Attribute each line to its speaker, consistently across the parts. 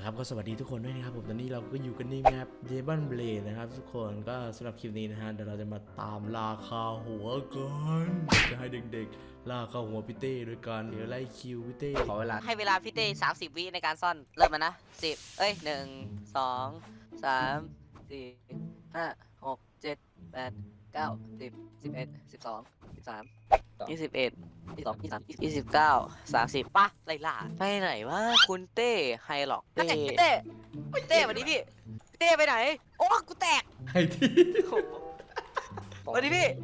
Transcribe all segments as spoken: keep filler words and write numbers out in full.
Speaker 1: ครับก็สวัสดีทุกคนด้วยนะครับผมตอนนี้เราก็อยู่กันในแมปเดบันเบลดนะครับทุกคนก็สำหรับคลิปนี้นะฮะเดี๋ยวเราจะมาตามล่าคาหัวกันจะให้เด็กๆล่าคาหัวพี่เต้โดยการเดี๋ยวไล่คิวพี่เต้ขอเวลา
Speaker 2: ให้เวลาพี่เต้สามสิบวิในการซ่อนเริ่มมานะสิบเอ้ยหนึ่งสองสามสี่ห้าหกเจ็ดแปดเก้าสิบสิบเอ็ดสิบสองสิบสามยี่สิบเอ็ดยี่สิบสองยี่สิบสามยี่สิบเก้าสามสิบป่ะไล่ล่าไปไหนวะคุณเต้ไฮหรอกเต้พี่เต้พี่เต้วันนี้พี่พี่เต้ไปไหนโอ้กูแตก
Speaker 1: ให้ที่
Speaker 2: วันนี้พี่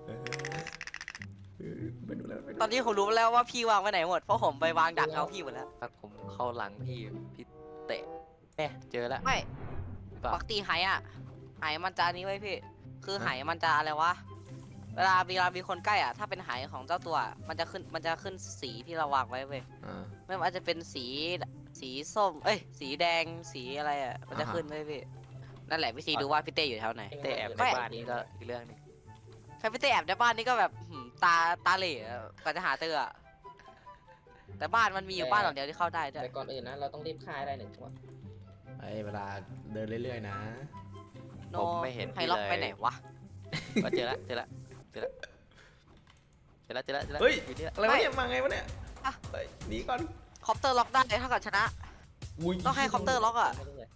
Speaker 1: ไปดูแล้วไปดู
Speaker 2: ตอนนี้ผมรู้แล้วว่าพี่วางไว้ไหนหมดเพราะผมไปวางดักเอาพี่หมดแล้ว
Speaker 3: ถ้าผมเข้าหลังพี่พี่เตะแน่เจอแล้ว
Speaker 2: ไม่
Speaker 3: เปล่า
Speaker 2: ปกติไหอ่ะไหมันจะอันนี้ไว้พี่ คือไหมันจะอะไรวะ เวลาเวลามีคนใกล้อ่ะ ถ้าเป็นไหของเจ้าตัว มันจะขึ้น มันจะขึ้นสีที่เราวางไว้เว้ย
Speaker 1: อ่า
Speaker 2: ไม่ว่าจะเป็นสี สีส้ม เอ้ย สีแดง สีอะไรอ่ะ มันจะขึ้นไว้พี่ นั่นแหละวิธีดูว่าพี่เต้อยู่แถวไหน
Speaker 3: เตะแอบใน
Speaker 2: ไม่
Speaker 3: บ้านนี้ก็อีกเรื่องหนึง
Speaker 2: ใครพี่เต้แอบในบ้านนี่ก็แบบหืมตา ตาเหล่อะกว่าจะหาเจออะแต่บ้านมันมีอยู่บ้านหลังเดียวที่เข้าได้ด้วย
Speaker 4: แต่ก่อนอื่นนะเราต้องรีบฆ่าให้ได้หนึ่งตัว
Speaker 1: ไอ้เวลาเดินเรื่อยๆนะ
Speaker 2: โน
Speaker 3: ผมไม่เห็น
Speaker 2: ไฮ
Speaker 3: พี่
Speaker 2: ล็อก
Speaker 3: เลย
Speaker 2: ไปไหนวะ
Speaker 3: ก็เจอละเจอละเจอละเจอละเจอละเจอละ
Speaker 1: เฮ้ย
Speaker 3: อยู่นี่ละ
Speaker 1: อะไรวะเนี่ยมาไงวะเนี่ย
Speaker 2: อ่ะ
Speaker 1: เฮ้ยหนีก่อน
Speaker 2: คอปเตอร์ล็อกได้ถ้าเกิดชนะ
Speaker 1: อุ้ย
Speaker 2: ต้องให้คอปเตอร์ล็อกอ่ะ
Speaker 4: ไม่รู้เลย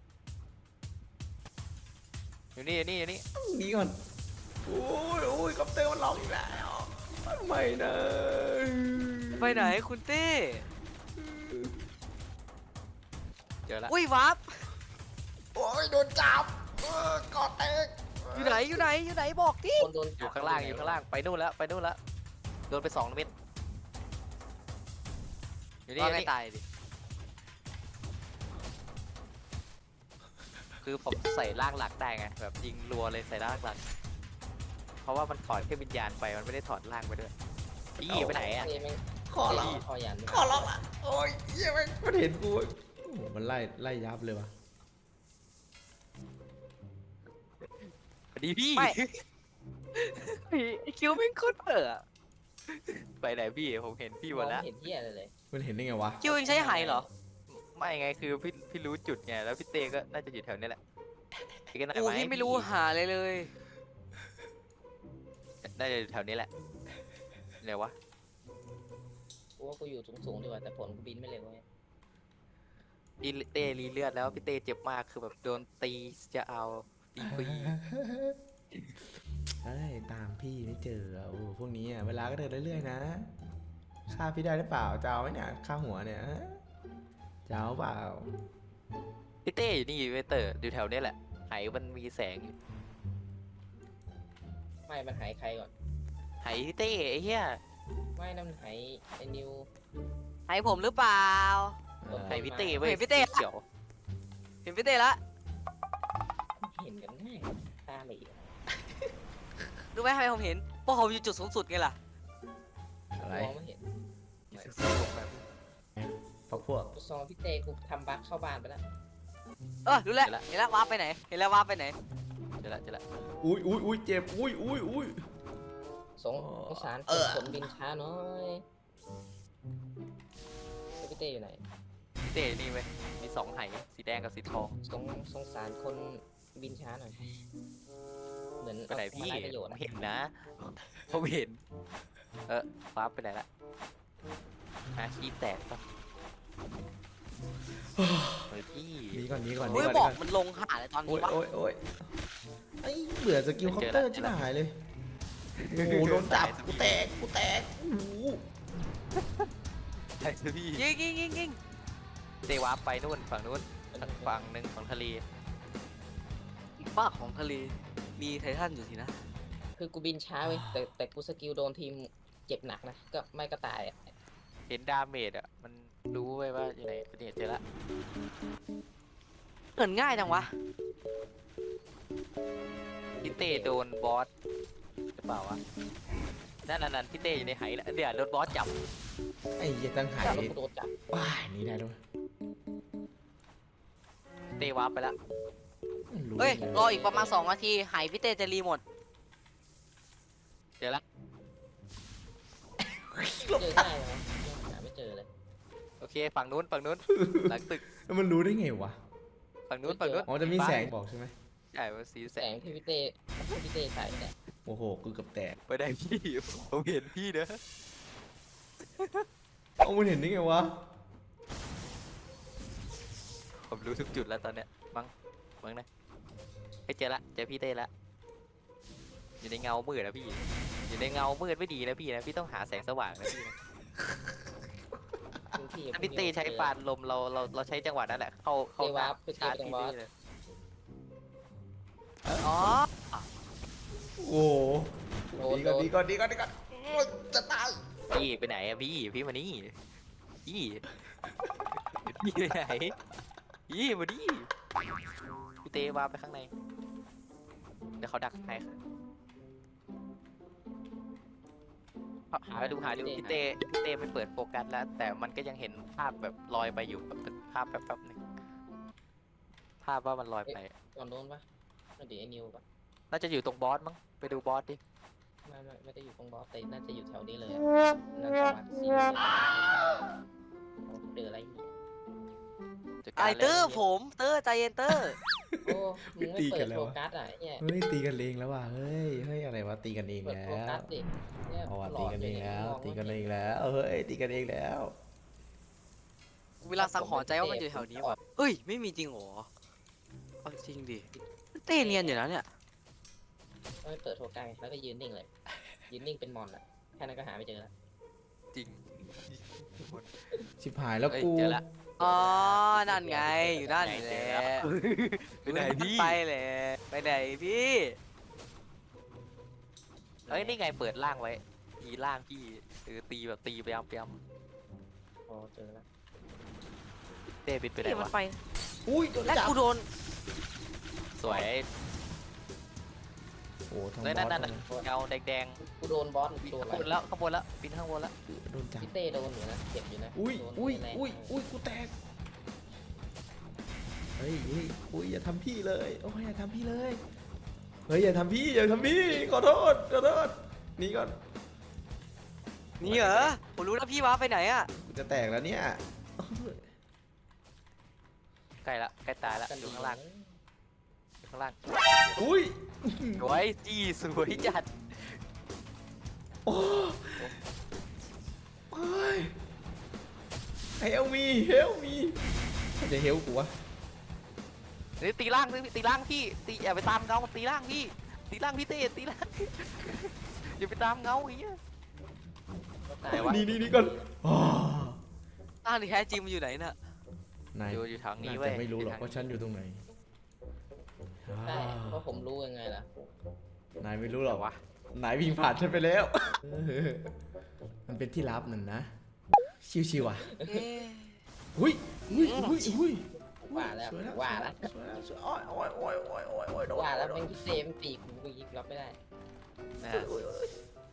Speaker 3: อยู่นี่อยู่นี่อยู่นี่
Speaker 1: หนีก่อนโอ้ยโอ้ยคอปเตอร์มันล็อกอีกแล้วไม่นะ
Speaker 2: ไปไหนคุณเต้
Speaker 3: เจอละ
Speaker 2: อุ้ยวับ
Speaker 1: โอ้ยโดนจับเออกอดแตก
Speaker 2: อยู่ไหนอยู่ไหนอยู่ไหนบอกดิ
Speaker 4: คนโดน
Speaker 3: อยู่ข้างล่างอยู่ข้างล่างไปนู่นแล้วไปนู่นแล้วโดนไปสองเม็ดอยู่นี่
Speaker 2: ว่า
Speaker 3: อยู่
Speaker 2: ไง
Speaker 3: นี่
Speaker 2: ตายดิ
Speaker 3: คือผมใส่ร่างหลักได้ไงแบบยิงรัวเลยใส่ร่างหลัก เพราะว่ามันถอดแค่วิญญาณไปมันไม่ได้ถอดร่างไปด้วยอี้ไปไหนอ่ะ
Speaker 4: เอ้ยแม่ง
Speaker 1: ขอร้อง
Speaker 4: คอยัน
Speaker 1: ขอร้องอ่ะโอ้ยเหี้ยแม่งมันเห็นกูโอ้โหมันไล่ไล่ยับเลยวะ
Speaker 3: สวัสดีพี่
Speaker 2: ไม่ไอคิวไม่งโคตรเปิดอะ
Speaker 3: ไปไหนพี่ผมเห็นพี่หมด
Speaker 4: ม
Speaker 3: แล้
Speaker 4: อ
Speaker 3: ว
Speaker 4: งเห็นที่อะไรเลย
Speaker 1: มันเห็นได้ไงวะ
Speaker 2: คิวเองใช้ไหเหรอ
Speaker 3: ไม่ไงคือพี่พี่รู้จุดไงแล้วพี่เต้ก็น่าจะอยู่แถวนี้แหละพี่ก็น่าจะ
Speaker 2: กู
Speaker 3: มาให้
Speaker 2: ที่ไม่รู้หาเลยเลย
Speaker 3: น่าจะอยู่แถวนี้แหละไหนวะ
Speaker 4: กูว่ากูอยู่สูงๆดีกว่าแต่ผลกูบินไม่เร็วเว้ย
Speaker 3: พี่เต้รีเลือดแล้วพี่เต้เจ็บมากคือแบบโดนตีจะเอาตีฟรี
Speaker 1: เอ้ยตามพี่ไม่เจออ่ะโอ้พวกนี้อ่ะเวลาก็เดินเรื่อยๆนะฆ่าพี่ได้หรือเปล่าจะเอาไหมเนี่ยฆ่าหัวเนี่ยฮะจะเอาเปล่า
Speaker 3: พี่เต้อยู่นี่เวเตอร์อยู่แถวนี้แหละไหมันมีแสงอยู่
Speaker 4: ไม่มันหายใครก่อน
Speaker 3: ไหพี่เต้ไอ้เหี้ย
Speaker 4: ไม่นั่นมันหายไอ้นิว
Speaker 2: ไหผมหรือเปล่า
Speaker 1: เออ
Speaker 3: ไหพี่เต้เว้ย
Speaker 2: เห็นพี่เต้
Speaker 3: เขียว
Speaker 2: เห็นพี่เต้ละ
Speaker 4: เห็นกันง่ายตาไม่อีก
Speaker 2: รู้ไหมทำไมผมเห็นเพราะผมอยู่จุดสูงสุดไงล่ะ
Speaker 1: อะไร
Speaker 4: มองไม่เห็น
Speaker 1: พักพวก
Speaker 4: กูซองพี่เต้กูทำบั๊กเข้าบ้านไปแล้ว
Speaker 2: เออรู้แล้วเห็นแล้ววาร์ปไปไหนเห็นแล้ววาร์ปไปไหน
Speaker 3: เจอละเจอละ
Speaker 1: อุ้ยอุ้ยอุ้ยเจ็บอุ้ยอุ้ยอุ้ย
Speaker 4: สงสงสาร
Speaker 1: เออ
Speaker 4: ผลบินช้าน้อยแล้วพี่เต้อยู่ไหน
Speaker 3: พี่เต้นี่เว้ยมีสองไหสีแดงกับสีทอง
Speaker 4: สงสงสารคนบินช้าหน่อยเหมือน
Speaker 3: ไปไหนพี่
Speaker 4: เอามาด้ประโยชน์
Speaker 3: ผม
Speaker 4: อะ
Speaker 3: เห็นนะผมเห็นเออฟ้าไปไหนละอาชีแตกซะเฮ้ยพี่
Speaker 1: หนีก่อนหนีก่อนหนี
Speaker 2: โอ้ย
Speaker 1: ก่อน
Speaker 2: บอก
Speaker 1: หนีก่อน
Speaker 2: มันลงหาเลยตอน
Speaker 1: โอ้
Speaker 2: นี้
Speaker 1: ยว
Speaker 2: ะ
Speaker 1: โอ้ยโอ้ยไอ้เบื่อสกิลคอปเตอร์ชิบหายเลยโอ้โหโดนจับกูแตกกูแตกโอ้โห
Speaker 3: ใช่สิพี่
Speaker 2: ยิงยิงยิงยิง
Speaker 3: เตวาร์ปไปนู่นฝั่งนู้นฝั่งหนึ่งฝั่งทะเล
Speaker 2: อีกฝากของทะเลมีไททันอยู่สินะ
Speaker 4: คือกูบินช้าเว้ยแต่แต่กูสกิลโดนทีมเจ็บหนักนะก็ไม่ก็ตายอ่ะ
Speaker 3: เห็นดาเมจอ่ะมันรู้ไว้ว่าอยู่ไหนเนี่ยเจอละ
Speaker 2: เกินง่ายจังวะ
Speaker 3: พี่เต้โดนบอสหรือเปล่าวะนั่นนั่นนั่นพี่เต้อยู่ในไหแล้วเดี๋ยวโดนบอสจับ
Speaker 1: ไอ้เหี้ยตั้งหาย
Speaker 4: แล้วกูโดนจับ
Speaker 1: ว้ายหนี่ได้ด้วย
Speaker 3: เต้วาร์ปไปละ
Speaker 2: เฮ้ยรออีกประมาณสองนาทีไหพี่เต้จะรีหมด
Speaker 3: เจอละ
Speaker 4: เจอได้ไหมยังหาไม่เจอเลย
Speaker 3: โอเคเคฝั่งนู้นฝั่งนู้นหลังตึก
Speaker 1: แล้วมันรู้ได้ไงวะ
Speaker 3: ฝั่งนู้นฝั่งนู้น
Speaker 1: อ๋อจะมีแสงบอกใช่ไหม
Speaker 3: ใช่มันสีแส
Speaker 4: แส
Speaker 3: ง
Speaker 4: งที่พี่เต้ที่พี่เต้ใส่เนี่ย
Speaker 1: โอ้โหกูเกับแตก
Speaker 3: ไปได้พี่ผมเห็นพี่เด้อ
Speaker 1: เอามันเห็นได้ไงวะ
Speaker 3: ผมรู้ทุกจุดแล้วตอนเนี้ยมั้งมั้งนะเฮ้ยเจอละเจอพี่เต้ละอยู่ในเงามืดนะพี่อยู่ในเงามืดไม่ดีนะพี่นะพี่ต้องหาแสงสว่างนะพี่นะ
Speaker 4: พื้นที่
Speaker 3: ถ้าพี่เต้ใช้ปานลมเราเราเราใช้จังหวะนั้นแหละเข้าเข้า
Speaker 4: เต้วาร์ปไป
Speaker 3: ชา
Speaker 4: เต้
Speaker 3: ร์จ
Speaker 4: ตรง
Speaker 3: พี่
Speaker 4: บอส
Speaker 3: เต้เลย
Speaker 2: อ๋อ
Speaker 1: โอ้โห
Speaker 4: โดน
Speaker 1: ดี
Speaker 4: โด
Speaker 1: ก่อน
Speaker 4: น
Speaker 1: ดีก่อนดีก่อนดีก่อนโอ้ยจะตาย
Speaker 3: พี่ไปไหนอะพี่พี่มานี่พี่พี่ไปไหนพี่มาดิพี่เต้วาร์ปไปข้างในเดี๋ยวเขาดักให้ค่ะหาดูหาดูพี่เต้พี่เต้ไม่เปิดโฟกัสแล้ว แต่มันก็ยังเห็นภาพแบบลอยไปอยู่แบบเป็นภาพแป๊บๆหนึ่งภาพว่ามันลอยไป
Speaker 4: ตอนโน้นปะไม่ดีไอ้นิวปะ
Speaker 3: น่าจะอยู่ตรงบอสมั้งไปดูบอสดิ
Speaker 4: ไม่ไม่ไม่ได้อยู่ตรงบอสแต่น่าจะอยู่แถวนี้เลยอะน่าจะวัดซีเรียสเจออะไรอีก
Speaker 3: จัด
Speaker 2: ไอ
Speaker 3: การ
Speaker 2: เตอร์
Speaker 3: ลย
Speaker 2: ผมเตอร์ใจเย็นเตอร์
Speaker 4: โอ้มึงไม่เปิดโฟกัสอ่ะเนี่ย
Speaker 1: เฮ้ยตีกันเองแล้วว่ะเฮ้ยเฮ้ยอะไรวะตีกันเอง
Speaker 4: เปิด
Speaker 1: แล้
Speaker 4: โฟกั
Speaker 1: ว
Speaker 4: สดิเนี่ย
Speaker 1: เอาว่ะ
Speaker 4: หล
Speaker 1: ตี
Speaker 4: อด
Speaker 1: กัน
Speaker 4: เล
Speaker 1: เอย ง
Speaker 4: เนี่ย
Speaker 1: แล้ว
Speaker 4: มอง
Speaker 1: ตีกัน
Speaker 4: ไม่
Speaker 1: เอ
Speaker 4: เห็
Speaker 1: งแล้วเฮ้ยตีกันเองแล้ว
Speaker 2: เวลาสังหรณ์ใจว่ามันอยู่แถวนี้ว่ะเฮ้ยไม่มีจริงเหรอเอาจริงดิเต้เนียนอยู่แล้วเนี่ย
Speaker 4: ไม่เปิดโฟกัสแล้วก็ยืนนิ่งเลยยืนนิ่งเป็นมอนอ่ะแค่นั้นก็หาไม่เจอแล้ว
Speaker 3: จริง
Speaker 1: ชิบหายแล้ว
Speaker 3: เอ้ย
Speaker 1: กู
Speaker 3: เจอละ
Speaker 2: อ๋อนั่นไงอยู่นั่น
Speaker 3: ไง
Speaker 2: แห
Speaker 3: เจ
Speaker 2: ละ
Speaker 3: อแล้วไปไหนพี่
Speaker 2: ไปเลยไปไหนพี่
Speaker 3: เอ้ยนี่ไงเปิดล่างไว้ตีล่างพี่เออตีแบบตีไปยำไปย
Speaker 4: โอ้เจอแล้ว
Speaker 3: ำเต้บิดไปไหน
Speaker 2: พี่มัน
Speaker 3: วะ
Speaker 2: ไป
Speaker 1: อุ้ยโดน
Speaker 2: และ
Speaker 1: จับ
Speaker 2: กูโดน
Speaker 3: สวย
Speaker 1: โอ้ทั้งบ
Speaker 3: เฮ้ย
Speaker 1: อ
Speaker 3: นั่น
Speaker 1: ส
Speaker 3: นั่น
Speaker 1: ทั้
Speaker 3: นั่
Speaker 1: ง
Speaker 3: นเงาแดง
Speaker 4: กูโดนบอส
Speaker 3: ๆ
Speaker 4: โดน
Speaker 3: ข้าง
Speaker 4: อะไร
Speaker 3: บนแล้วข้างบนแล้วปีนข้างบนแล้ว
Speaker 1: โดนจับ
Speaker 4: พี่เต้โดนอยู่นะเจ็บอยู่นะ
Speaker 1: อุ้ย
Speaker 4: โดน
Speaker 1: อุ้ย
Speaker 4: แรง
Speaker 1: อุ้ยอุ้ยกูแตกเฮ้ยเฮ้ยอุ้ยอย่าทำพี่เลยโอ้ยอย่าทำพี่เลยเฮ้ยอย่าทำพี่อย่าทำพี่ขอโทษขอโทษหนี่ก่อน
Speaker 2: นี่เหรอผมรู้แล้วพี่ว้าไปไหนอ่ะ
Speaker 1: กูจะแตกแล้วเนี่ย
Speaker 3: ใกล้ละใกล้ตายละ
Speaker 4: กัน
Speaker 3: อยู่
Speaker 4: ดี
Speaker 3: ข้างล่างอยู่ข้างล่าง
Speaker 1: อุ้ย
Speaker 3: สวยจี้สวยจัด
Speaker 1: โอ้โอ้ยเฮลมีเฮลมีจะเฮลกูวะ
Speaker 3: เฮ้ยตีล่างตีล่างพี่ตีอย่าไปตามเงาตีล่างพี่ตีล่างพี่เต้ตีล่าง อย่าไปตามเงาไอ้เหี้ย
Speaker 4: ก็ตาย
Speaker 3: ไหนวะ
Speaker 1: นี่นี่นี่ก่อนอ้า
Speaker 2: อ้าวนี่แท้จริงมันอยู่ไหนน่ะ
Speaker 1: นาย
Speaker 3: อยู่อยู่ทางนี้
Speaker 1: น่า
Speaker 3: เว้
Speaker 1: จะ
Speaker 3: ย
Speaker 1: ไม่รู้หรอก
Speaker 3: ยู่
Speaker 1: ว่า
Speaker 3: ทาง
Speaker 1: ฉันอยู่ตรงไหน
Speaker 4: ได้
Speaker 1: อ่า
Speaker 4: เพราะผมรู้ยังไงล่ะ
Speaker 1: นายไม่รู้หรอก
Speaker 3: วะ
Speaker 1: นายวิ่งผ่านฉันไปแล้ว มันเป็นที่ลับนั่นนะ ชิวๆอ่ะ
Speaker 2: เอ๊ะ
Speaker 1: อุ้ยอุ้ยอุ้ยอุ้ย
Speaker 4: ว่าแล้ว
Speaker 1: สย
Speaker 4: ว่าแล้ว
Speaker 1: สวยแล้วสวยโอ้ยโอ้ยโอ้ยโอ้ยโอ้ยโอ้ยโดน
Speaker 4: ว่าแล้ว
Speaker 1: โด
Speaker 4: แม่
Speaker 1: น
Speaker 4: งพี่เต้มันตีกูกูยิงรับไม่ได้
Speaker 3: นะ
Speaker 1: โอ้ยโอ้ย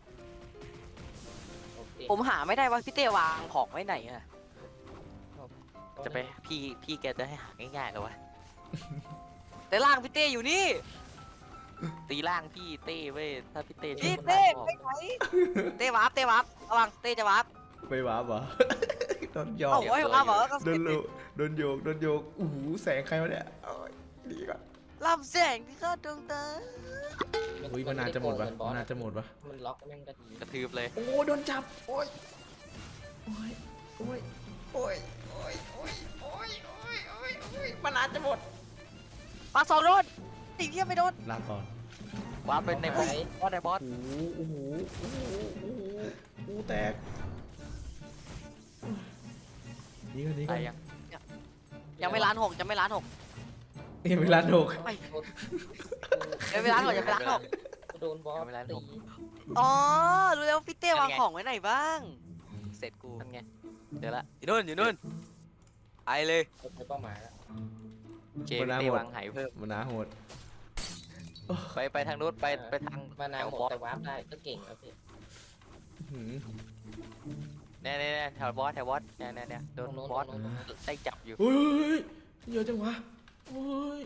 Speaker 4: โอเค
Speaker 2: ผมหาไม่ได้ว่าพี่เต้วางของไว้ไหนอ่ะ
Speaker 3: จะไปพี่พี่แกจะให้หาง่ายๆเหรอวะ
Speaker 2: แต่ล่างพี่เต้อยู่นี่
Speaker 3: ตีล่างพี่เต้เว้ยถ้าพี่เต้
Speaker 2: พี่
Speaker 3: ช่วย
Speaker 2: เต้
Speaker 3: คน
Speaker 2: ไป
Speaker 3: ล่างออก
Speaker 2: ไหนเต้วาร์ปเต้วาร์ประวังเต้จะวาร์ป
Speaker 1: ไม่ว้าบเหรอ โดนหยอ
Speaker 2: เอ้าก ไว้วาร์ปเหรอก็
Speaker 1: โดนโลโดนโยกโดนโยกอู้หูแสงใครวะเนี่ยโอ้ยดีก่อน
Speaker 2: ลำแสงที่เข้าดวงตา
Speaker 1: อุ้ยมันนานจะหมดวะ
Speaker 4: บอ
Speaker 1: มัน
Speaker 4: ส
Speaker 1: นานจะหมดวะ
Speaker 4: มันล็อกแม่งก็ดี
Speaker 3: กระทืบเลย
Speaker 1: โอ้โดนจับโอ้ยโอ้ยโอ้ยโอ้ยโอ้ยโอ้ยโอ้ยโอ้ยโอ้ยโอ้ยมันนานจะหมด
Speaker 2: ปาสองโดนตีเทียบไม่โดน
Speaker 1: ลาก่อน
Speaker 3: ว้าร์ปเป็นในบอสบอสในบอส
Speaker 1: โอ้โหโอ้โหโอ้โหโอ้โหกูแตกนี่ก็นี่ก็
Speaker 3: ตายยัง
Speaker 2: ยังไม่ล้านหกยังไม่ล้านหก
Speaker 1: ยังไม่ล้านหก
Speaker 2: ไม่ยังไม่ล้านหกยังไม่ล้านหก
Speaker 4: กูโดนบอสตี
Speaker 2: อ๋อรู้แล้วพี่เต้วางของไว้ไหนบ้าง เสร็จกู
Speaker 3: นั่นไงเดี๋ยวละ
Speaker 2: อยู่นู่นอยู่นู่นไปเลย
Speaker 4: กูใช้เป้าหมายแล้ว
Speaker 3: เจพี่เต้วางไหเพิ่ม
Speaker 1: มันนาโหด
Speaker 3: ไปไปทางนู้นไปไปทาง
Speaker 4: มานา
Speaker 3: แถ
Speaker 4: ว
Speaker 3: ว
Speaker 4: หมด
Speaker 3: บอส
Speaker 4: แต่วาร์ปได้ก็เก่งแล้วพี่
Speaker 1: หืม
Speaker 3: เนี่ยเนี่ยเนี่ยแถวบอสแถวบอสเนี่ยเนี่ยเนี่ยโดนบอสได้จับอยู่
Speaker 1: เฮ้ยเยอะจังวะเฮ้ย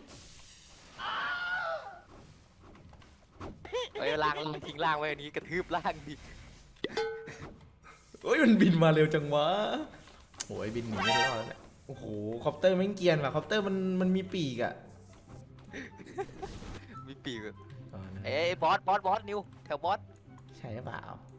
Speaker 3: เอ้ยล่างล่างทิ้งล่างไว้อันนี้กระทืบล่างดิ
Speaker 1: เฮ้ยมันบินมาเร็วจังวะโอ้ยบินหนีไม่รอดแล้วเนี่ยโอ้โหคอปเตอร์แม่งเกรียนว่ะคอปเตอร์มันมันมีปีกอะ
Speaker 3: มีปีกอะ
Speaker 1: อ๋อนะ
Speaker 3: เอ้ยบอสบอสบอสนิวแถวบอส
Speaker 1: ใช่หรือเปล่า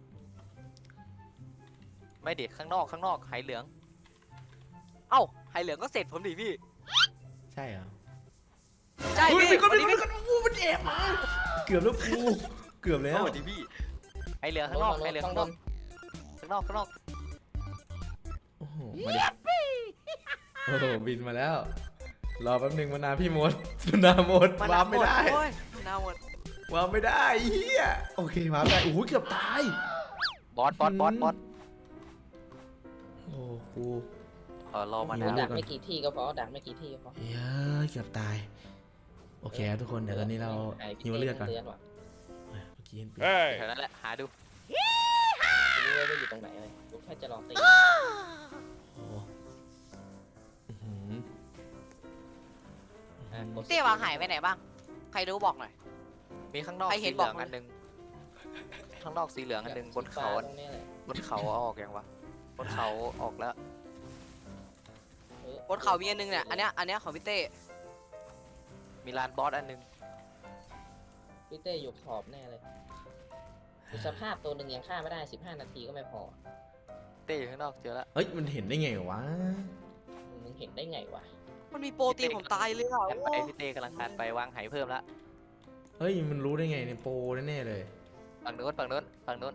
Speaker 3: ไม่เด็กข้างนอกข้างนอกไหเหลือง
Speaker 2: เอ้าไฮเหลืองก็เสร็จผมดิพี่
Speaker 1: ใช่เหรอ
Speaker 2: ใช่
Speaker 1: เฮ้ย
Speaker 2: พี่
Speaker 1: มีคน
Speaker 2: วัน
Speaker 1: มี
Speaker 2: นี้
Speaker 1: ค
Speaker 2: พี่
Speaker 1: นโอ้มันแอบมาเกือบแล้วกูเกือบแล้ว
Speaker 3: สวัสดีพี่ไหเหลืองข้างนอกไหเหลือง
Speaker 4: ข้า
Speaker 3: ข้าง ง
Speaker 4: บ
Speaker 3: นอก
Speaker 4: น
Speaker 3: ข้างนอกข้างนอก
Speaker 1: โอ้โหมาดิโอ้โหบินมาแล้ว รอแป๊บหนึงมานาพี่มดมานาหมด
Speaker 2: มัน
Speaker 1: วาร์ปไม่ได้
Speaker 2: โอ้ยนาหมด
Speaker 1: วาร์ปไม่ได้เฮียโอเควาร์ปได้โอ้โหเกือบตาย
Speaker 3: บอสบอสบอสบอส
Speaker 1: โอ้กู
Speaker 3: ขอรอมา
Speaker 1: เดี๋
Speaker 3: นะ
Speaker 1: ยว
Speaker 4: ดักไม่กี่ที่ก็พอดักไม่กี่ที่ก็พอ
Speaker 1: เฮ้ยเกือบตาย โอเคครับทุกคนเดี๋ยวตอนนี้เราหิวเลือดก่อน
Speaker 4: เตือนว่ะ
Speaker 1: เมื่อกี้เห็นปีก
Speaker 3: แถวนั้นแหละหาดู
Speaker 4: ไม่รู้ว่าอยู่ตรงไหนเลยกูแค่จะลองตี
Speaker 1: โอ้โหอื้อหือ
Speaker 4: อ่ะกด
Speaker 2: เต้วางหายไปไหนบ้าง ใครรู้บอกหน่อย
Speaker 3: มีข้างนอก
Speaker 2: ใครเห็
Speaker 3: สี
Speaker 2: น
Speaker 3: เหลือง
Speaker 2: บอกมา
Speaker 3: อันหนึงข้างนอกสีเหลืองอันหนึงบนเขา
Speaker 4: ตรงนี้แหละ
Speaker 3: บนเขาเอาออกยังวะบนเขาออกแล้ว
Speaker 4: ออบ
Speaker 2: นเขามีอันนึงเนี่ย อันเนี้ย อันเนี้ยของพี่เต้
Speaker 3: มีลานบอสอันหนึง
Speaker 4: พี่เต้อยู่ขอบแน่เลยดูสภาพตัวหนึ่งยังฆ่าไม่ได้สิบห้านาทีก็ไม่พอ
Speaker 3: เต้อยู่ข้างนอกเจอแล้ว
Speaker 1: เฮ้ยมันเห็นได้ไงวะ
Speaker 4: มึงเห็นได้ไงวะ
Speaker 2: มันมีโปรตีนผมตายเลยอ่ะ
Speaker 3: แอน
Speaker 2: โอ้
Speaker 3: ไปพี่เต้กำลังการไปวางไหเพิ่มละ
Speaker 1: เฮ้ยมันรู้ได้ไงเนี่ยโปรแน่ๆเลย
Speaker 3: ฝั่งโน้นฝั่งโน้นฝั่งโน้น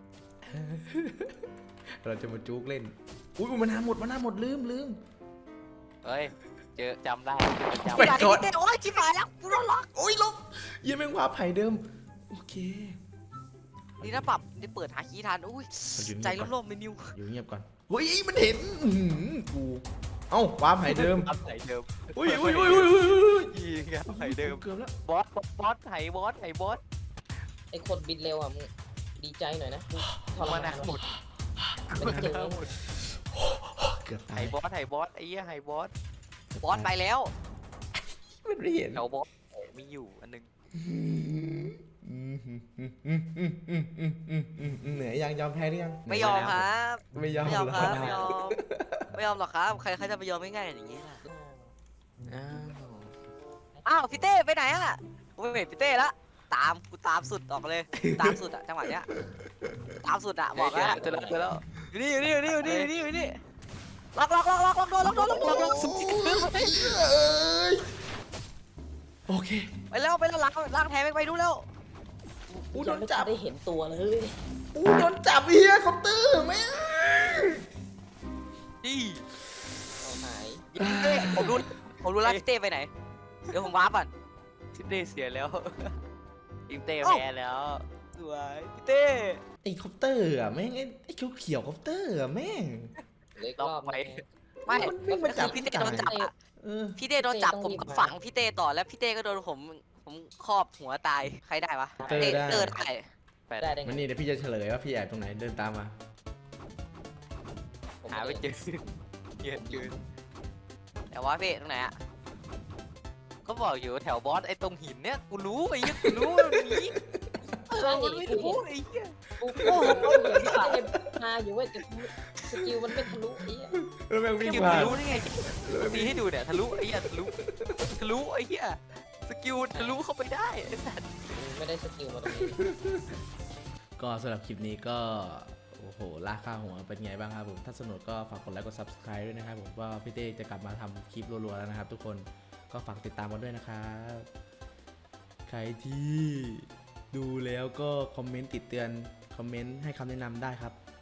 Speaker 1: เราจะมาจุกเล่น อุ้ยมันหาหมดมันหาหมดลืมลืม
Speaker 3: เฮ้ยเจอจำได้จำ
Speaker 1: ไป
Speaker 3: ได้
Speaker 2: ยพี่เต้โอ้ยชิบหายแล้วกูโดนล็อก
Speaker 1: โอ้ยลบเยี่ยมแมงวาไผ่เดิม โอเค
Speaker 2: ดีนะปรับได้เปิดหาคีย์ทันอุ้ย
Speaker 1: มันอยู่
Speaker 2: ใจ
Speaker 1: เงียบก่อน
Speaker 2: ร่มๆไม่นิว
Speaker 1: อยู่เงียบก่อนเฮ้ยมันเห็นอื้อหือกู เอ้าวาไผ่เดิม
Speaker 3: จำไหเดิม
Speaker 1: อุ้ยอุ้ยอุ้ยอุ้ยอุ้ยอุ้ย
Speaker 3: ยี่ไงไหเดิม
Speaker 1: เกือบแล้ว
Speaker 3: บอสบอสไหบอสไหบอส
Speaker 4: ไอ้คนบินเร็วอ่ะมึงดีใจหน่อยนะกูทร
Speaker 3: มาม
Speaker 4: าน
Speaker 3: นาหมด
Speaker 4: ไม่ได้เจอ
Speaker 3: หมด
Speaker 1: เกือบ
Speaker 3: ไห
Speaker 1: ตาย
Speaker 3: บอสไหบอสไอ้เหี้ยไหบอส
Speaker 2: บอสไปแล้ว
Speaker 1: มันไม่เห็น
Speaker 3: แถวบอสมีอยู่อันหนึง
Speaker 1: เหนื่อยยังยอมแพ้หรือยัง
Speaker 2: ไม่ยอมครับ
Speaker 1: ไม่ยอม
Speaker 2: ไม่ยอม
Speaker 1: เหร
Speaker 2: ครับไม่ยอม ไม่ยอมหรอกครับ ใครใครจะไปยอมง่ายๆอย่างนี้ล่ะ
Speaker 3: อ้าว
Speaker 2: อ้าวพี่เต้ไปไหนอ่ะกูไม่เห็นพี่เต้ละตามกูตามสุดออกเลย ตามสุดอะจังหวะเนี้ย ตามสุดอะบอกแล้ว
Speaker 3: เจอแล้วเจอแล้ว
Speaker 2: อยู่นี่อยู่นี่อยู่นี่อยู่นี่อยู่นี่อยู่นี่ล็อกล็อกล็อกล็อกล็อกโดนล็อกโดนล็อกล็อกล็อกสุด
Speaker 1: โอเค
Speaker 2: ไปแล้วไปแล้วล้างล้างแทนไปไปดูแล้ว
Speaker 1: อู้โดนจับ
Speaker 4: ได้เห็นตัวเลย
Speaker 1: อู้โดนจับเฮียคอปเตอร์แม่ง
Speaker 3: นี่
Speaker 4: เอาหาย
Speaker 2: เต้ผมรู้ผมรู้แล้วพี่เต้ไปไหน เดี๋ยวผมว้าร์ปก่อน
Speaker 3: ทิปเต้เสียแล้วทิปเต้
Speaker 2: เอ้า
Speaker 3: แพ้แล้ว
Speaker 2: สวยพี่เต้
Speaker 1: ไอ้คอปเตอร์อะแม่งไอ้ไอ้เขียวเขียวๆคอปเตอร์อะแม่ง
Speaker 4: เหลยรอบไหม
Speaker 2: ไม่
Speaker 1: มันวิ่งมาจับ
Speaker 2: พี่เต้โดนจับอะ
Speaker 1: เออ
Speaker 2: พี่เต้โดนจับ
Speaker 4: เต้ต้อง
Speaker 2: ผมก็
Speaker 4: รีบมา
Speaker 2: ฝังพี่เต้ต่อแล้วพี่เต้ก็โดนผมผมครอบหัวตายใครได้วะ
Speaker 1: เตอร์ได้
Speaker 2: เตอร์ได้
Speaker 3: แปด
Speaker 4: ได้ได้ไง
Speaker 1: มันนี่เดี๋ยวพี่จะเฉลยว่าพี่แอบตรงไหนเดินตามมา
Speaker 4: ผม
Speaker 3: หาไม่เจอเยอะเกิน
Speaker 2: แต่ว่าพี่ตรงไหนอะ
Speaker 3: ก็บอกอยู่แถวบอสไอ้ตรงหินเนี่ยกูรู้ไอ้เหี้ยกูรู้ว่ามันมี
Speaker 2: เออมันไม่รู้ไอ้เหี้ย
Speaker 4: กูโอ้โหเห็นพี่เต้มาอยู่เว้ยแต่สกิลมันไม่ทะลุไอ้เหี้ย
Speaker 1: แล้วแม่งวิ่ง
Speaker 3: สกิล
Speaker 1: ผ่า
Speaker 3: ทะ
Speaker 1: น
Speaker 3: ลุได้ไงมีให้ดูเนี่ยทะลุไอ้เหี้ยทะลุทะลุไอ้เหี้ยสกิลทะลุเข้าไปได้ไอ้สัตว์
Speaker 4: ไม่ได้สกิลมาตรงนี้
Speaker 1: ก็สำหรับคลิปนี้ก็โอ้โหลากค่าหัวเป็นไงบ้างครับผมถ้าสนุกก็ฝากกดไลค์กด Subscribe ด้วยนะครับผมว่าพี่เต้จะกลับมาทำคลิปรัวๆแล้วนะครับ ทุกคนก็ฝากติดตามกันด้วยนะครับใครที่ดูแล้วก็คอมเมนต์ติดเตือนคอมเมนต์ให้คำแนะนำได้ครับ